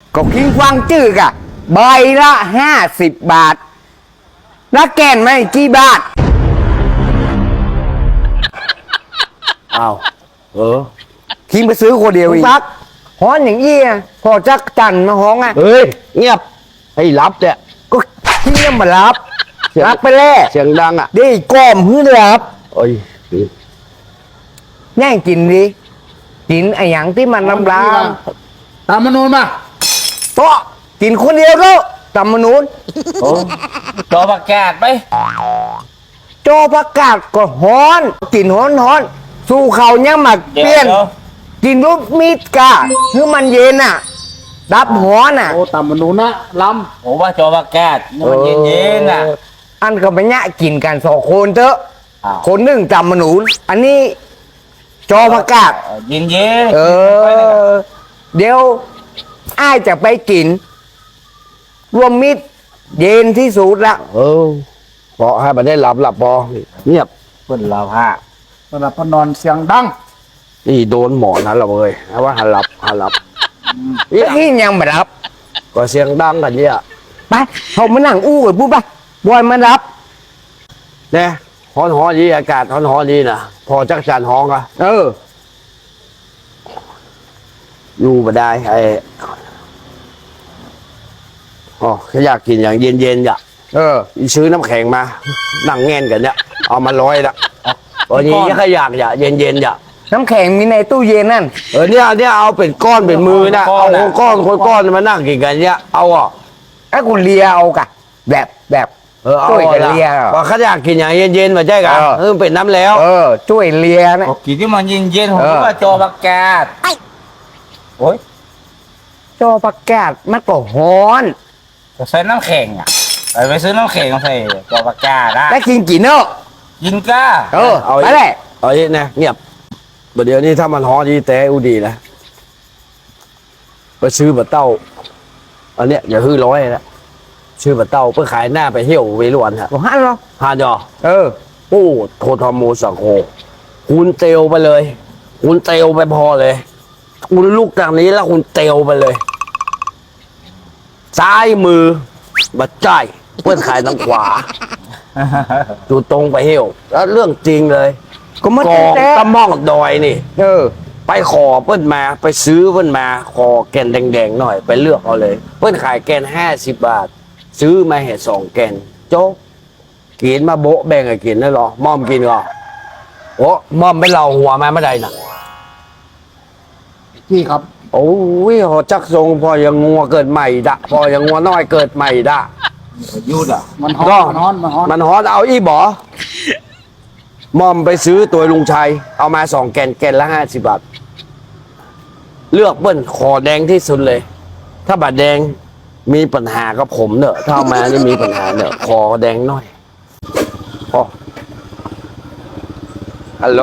ก็คิงกวางจื้อกะใบละ50 บาทแล้วแก่นไม่กี่บาทอ้าวคิงไปซื้อคนเดียวอีกฮ้อนอย่างอี้พอจักจันมาฮ้องเฮ้ยเงียบให้รับเนี่ยก็คิงยังมารับไปแล้วเสียงดังได้ก้อมหื้อรับแย่งกินดิกินไอ้หยังที่มันลำลาตามมนูนมาโต๊ะกินคนเดียวก็ตามมนูนจอประกาศไปจอประกาศก็ฮ้อนกินฮ้อนสู้เขายังมาเปลี่ยนกินรูปมีดกะคือมันเย็นดับฮ้อนโอ้ตามมนูนนะลำผมว่าจอประกาศมันเย็นอันก็ไปเนี่ยกินกัน2 คนเถอะคนหนึ่งตามมนูนอันนี้จอประกาศเย็นเดี๋ยวอ้ายจะไปกินรวมมิตรเย็นที่สุดละพอให้มันได้หลับพอเงียบเพิ่นหลับฮะเวลาพนอนเสียงดังนี่โดนหมอนั้นละเลยว่าหันหลับนี่ยังไม่รับก็เสียงดังกันเนี่ยไปเขามานั่งอู้กันปุ๊บไปบอยมารับเนี่ยฮ้อนดีอากาศฮ้อนดีนะพอจักจันฮ้องอะอยู่มาได้อยากกินอย่างเย็นๆซื้อน้ำแข็งมานั่งแง่นกันเนี่ยเอามาร้อยละวันนี้ก็อยากเย็นน้ำแข็งมีในตู้เย็นนั่นเนี่ยเอาเป็นก้อนเป็นมือนะเอาก้อนมานั่งกินกันเนี่ยเอาไอ้คุณเลียเอากะแบบช่วยกันเลียว่าเขาอยากกินอย่างเย็นๆมาใช่กันเป็นน้ำแล้วช่วยเลียนะกินที่มันเย็นผมว่าจอประกาศโอ้ยจอประกาศมันก็ฮ้อนใส่น้ำแข็งไปซื้อน้ำแข็งใส่จอประกาศได้กินเนอะกินก้าเอาไปเลยเนี่ยเงียบเดี๋ยวนี้ถ้ามันฮ้อนดีแต่อุดีนะไปซื้อบะเต้าอันเนี้ยอย่าฮื้อร้อยนะชื่อบะเต้าเพื่อขายหน้าไปเที่ยวเวรุวันฮะฮันเหรอฮันจอโอ้โททอมโมสังโฆคุณเตลไปเลยคุณเตลไปพอเลยคุณลูกจากนี้แล้วคุณเตลไปเลยซ้ายมือบัดใจเพื่อนขายทางขวาดูตรงไปเที่ยวแล้วเรื่องจริงเลยก็มันตะม่องดอยนี่ไปขอเพื่อนมาไปซื้อเพื่อนมาขอแกนแดงๆหน่อยไปเลือกเอาเลยเพื่อนขายแกน50 บาทซื้อมาเห็ด2 แกนโจ๊กกินมาโบ๊ะแบ่งกินได้หรอม่อมกินก่อนโอ้ม่อมไปเราหัวมาไม่ได้นะพี่ครับโอ้ยหอจักทรงพอยังงัวเกิดใหม่ดะพอยังงัวน้อยเกิดใหม่ดะยุดมันฮ้อนเอาอีบ่ม่อมไปซื้อตัวลุงชัยเอามา2 แกนละ50 บาทเลือกเปิ้ลขอแดงที่สุดเลยถ้าบาดแดงมีปัญหากับผมเนอะถ้ามาจะมีปัญหาเนอะคอแดงหน่อยฮัลโหล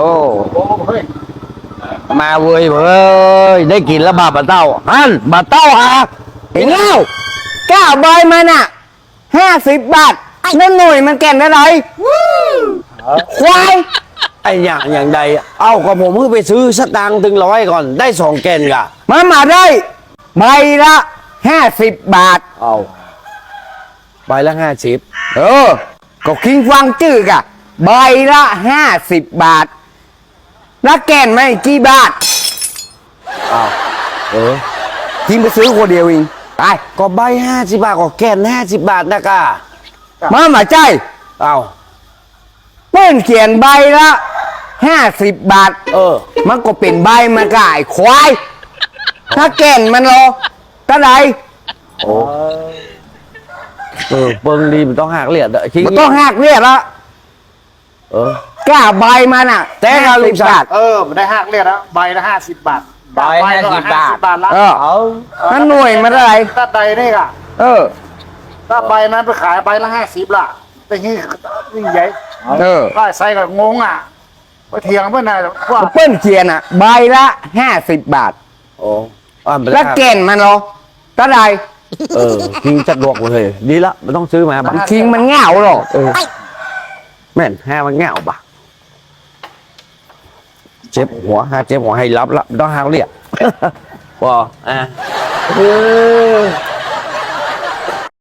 มาเว้ยได้กินแล้วบาเต้าฮันบาเต้าเห็นแล้วก้าใบมัน50 บาทนั่นหน่วยมันแก่นอะไรควายไอ้อย่างใดเอาก็ผมเพิ่งไปซื้อสตางค์ถึง100ก่อนได้2 แกนกะมาได้ใบละ50 บาทเอาใบละ50 ก็คิงฟังจื้อกะใบละ50 บาทแล้วแก่นไม่กี่บาทคิงไปซื้อคนเดียวเองไปก็ใบ50 บาทก็แกน50 บาทนะกะมาใจเพื่อนเขียนใบละ50 บาทมันก็เป็นใบมันก็ไอ้ควายถ้าแก่นมันรอเท่าไหร่เบิ่งดีมันต้องหักเลียดมันต้องหักเลียดละกล้าใบมันแต่เราลุงชาติมันได้หักเลียดแล้วใบละ50 บาทใบ50 บาทละนั่นหน่วยมันอะไรตัดใดนี่กะถ้าใบนั้นไปขายใบละ50 ละแต่นี่ใหญ่ก็ใส่กับงงไปเถียงเพื่อนว่าเปิ้ลเขียนใบละ50 บาทแล้วแก่นมันเหรอเท่าไหร่คิงจัดดวกเลยดีละมันต้องซื้อมาบ้างคิงมันเงาหรอแม่นแห่มันเงาบ่ะเจ็บหัวให้รับละต้องหาเรียกพอเออ